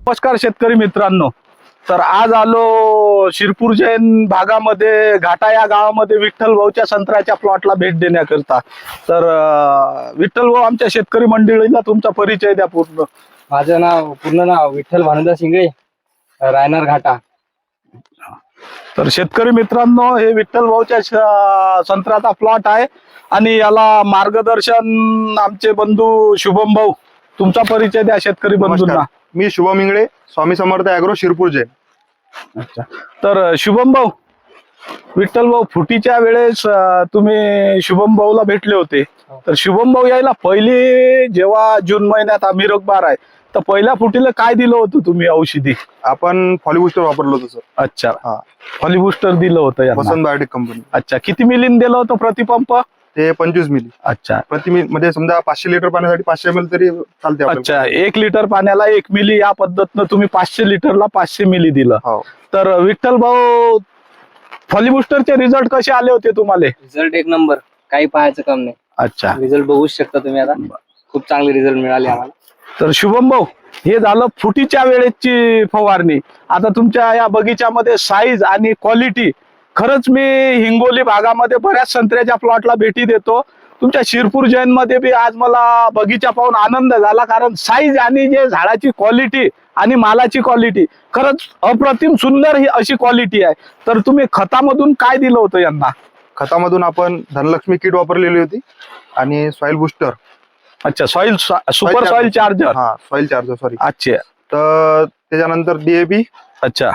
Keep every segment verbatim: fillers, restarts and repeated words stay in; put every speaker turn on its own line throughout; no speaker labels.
नमस्कार शेतकरी मित्रांनो. तर आज आलो शिरपूर जैन भागामध्ये घाटा या गावामध्ये विठ्ठल भाऊच्या संत्र्याच्या प्लॉटला भेट देण्याकरता. तर अं, विठ्ठल भाऊ, आमच्या शेतकरी मंडळीला तुमचा परिचय द्या पूर्ण.
माझं नाव पूर्ण नाव विठ्ठल भानुदास शिंगळे, रायनार घाटा.
तर शेतकरी मित्रांनो, हे विठ्ठल भाऊच्या श- संत्र्याचा प्लॉट आहे आणि याला मार्गदर्शन आमचे बंधू शुभम भाऊ. तुमचा परिचय द्या शेतकरी बंधूंना.
नमस्कार. मी शुभम इंगळे, स्वामी समर्थ ॲग्रो, शिरपूर जैन.
अच्छा. तर शुभम भाऊ, विठ्ठल भाऊ फुटीच्या वेळेस अं, तुम्ही शुभम भाऊला भेटले होते. तर शुभम भाऊ यायला पहिली जेव्हा जून महिन्यात आम्ही रगबार आहे, तर पहिल्या फुटीला काय दिलं होतं तुम्ही औषधी?
आपण फॉलिबुस्टर वापरलं होतं सर.
अच्छा,
हा.
फॉलिबुस्टर दिलं होतं यांना.
Vasant biotech company.
अच्छा, किती मिलीन दिलं होतं प्रतिपंप?
ते पंचवीस मिली
अच्छा
प्रति मिली, म्हणजे समजा पाचशे लिटर पाण्यासाठी पाचशे एम एल तरी चालते आपल्याला.
अच्छा, एक लिटर पाण्याला एक मिली या पद्धतीनं तुम्ही पाचशे लिटरला पाचशे मिली दिलं.
हो.
तर विठ्ठल भाऊ, फॉलिबुस्टरचे रिझल्ट कसे आले होते तुम्हाला?
रिझल्ट एक नंबर, काही पाहायचं काम नाही.
अच्छा,
रिझल्ट बघूच शकता तुम्ही आता. खूप चांगले रिझल्ट मिळाले आम्हाला.
तर शुभम भाऊ, हे झालं फुटीच्या वेळेची फवारणी. आता तुमच्या या बगीच्यामध्ये साईज आणि क्वालिटी, खरंच मी हिंगोली भागामध्ये बऱ्याच संत्र्याच्या प्लॉटला भेटी देतो. तुमच्या शिरपूर जैन मध्ये बी आज मला बगीचा पाहून आनंद झाला, कारण साईज आणि जे झाडाची क्वालिटी आणि मालाची क्वालिटी खरंच अप्रतिम सुंदर ही अशी क्वालिटी आहे. तर तुम्ही खतामधून काय दिलं होतं यांना?
खतामधून आपण धनलक्ष्मी किट वापरलेली होती आणि सॉइल बुस्टर.
अच्छा, सॉइल सुपर सॉइल चार्जर.
हा, सॉइल चार्जर सॉरी.
अच्छा.
तर त्याच्यानंतर डीएपी.
अच्छा,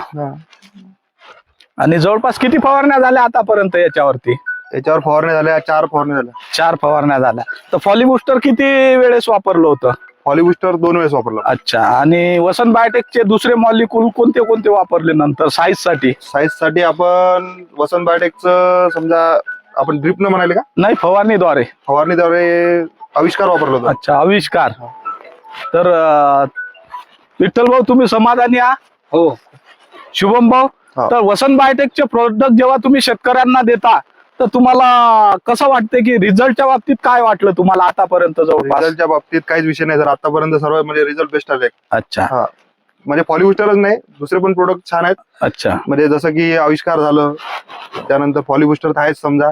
आणि जवळपास किती फवारण्या झाल्या आतापर्यंत याच्यावरती?
याच्यावर फवारण्या झाल्या, चार फवारण्या झाल्या.
चार फवारण्या झाल्या. तर फॉलिबुस्टर किती वेळेस वापरलं होतं?
फॉलिबुस्टर दोन वेळेस वापरलं.
अच्छा, आणि वसंत बायोटेकचे दुसरे मॉलिक्यूल कोणते कोणते वापरले नंतर साईज साठी?
साईज साठी आपण वसंत बायोटेकचं समजा आपण ड्रिपनं म्हणाले का,
नाही, फवारणीद्वारे.
फवारणीद्वारे आविष्कार वापरलं होतं.
अच्छा, आविष्कार. तर अं, विठ्ठल भाऊ, तुम्ही समाधानी आहात?
हो,
शुभम भाऊ,
हा.
तर वसंत बायोटेकचे प्रोडक्ट जेव्हा तुम्ही शेतकऱ्यांना देता, तर तुम्हाला कसं वाटतं की रिझल्टच्या बाबतीत काय वाटलं तुम्हाला आतापर्यंत जवळपास?
रिझल्टच्या बाबतीत काहीच विषय नाही सर. आतापर्यंत सर्व म्हणजे रिझल्ट बेस्ट आले.
अच्छा.
हा, म्हणजे फॉलिबुस्टरच नाही, दुसरे पण प्रोडक्ट छान आहेत.
अच्छा.
म्हणजे जसं की आविष्कार झालं, त्यानंतर फॉलिबुस्टर तर आहेच समजा.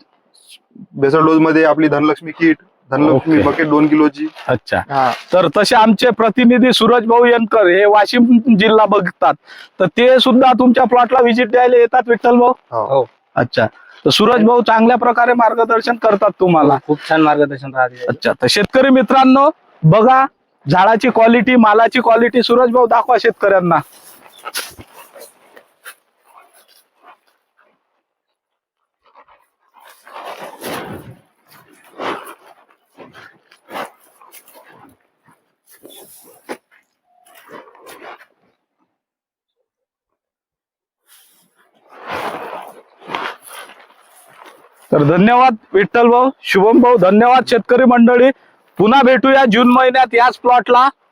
बेसल डोज मध्ये आपली Dhanlaxmi kit, Dhanlaxmi
okay.
Bucket दोन किलोची.
अच्छा.
हा,
तर तसे आमचे प्रतिनिधी सूरज भाऊ यनकर हे वाशिम जिल्हा बघतात, तर ते सुद्धा तुमच्या प्लॉटला व्हिजिट द्यायला येतात विठ्ठल भाऊ?
हो.
हो.
अच्छा. तर सूरज भाऊ चांगल्या प्रकारे मार्गदर्शन करतात तुम्हाला.
खूप छान मार्गदर्शन राहते.
अच्छा. तर शेतकरी मित्रांनो, बघा झाडाची क्वालिटी, मालाची क्वालिटी. सूरज भाऊ, दाखवा शेतकऱ्यांना. तर धन्यवाद विठ्ठल भाऊ, शुभम भाऊ, धन्यवाद शेतकरी मंडळी. पुन्हा भेटूया जून महिन्यात याच प्लॉटला.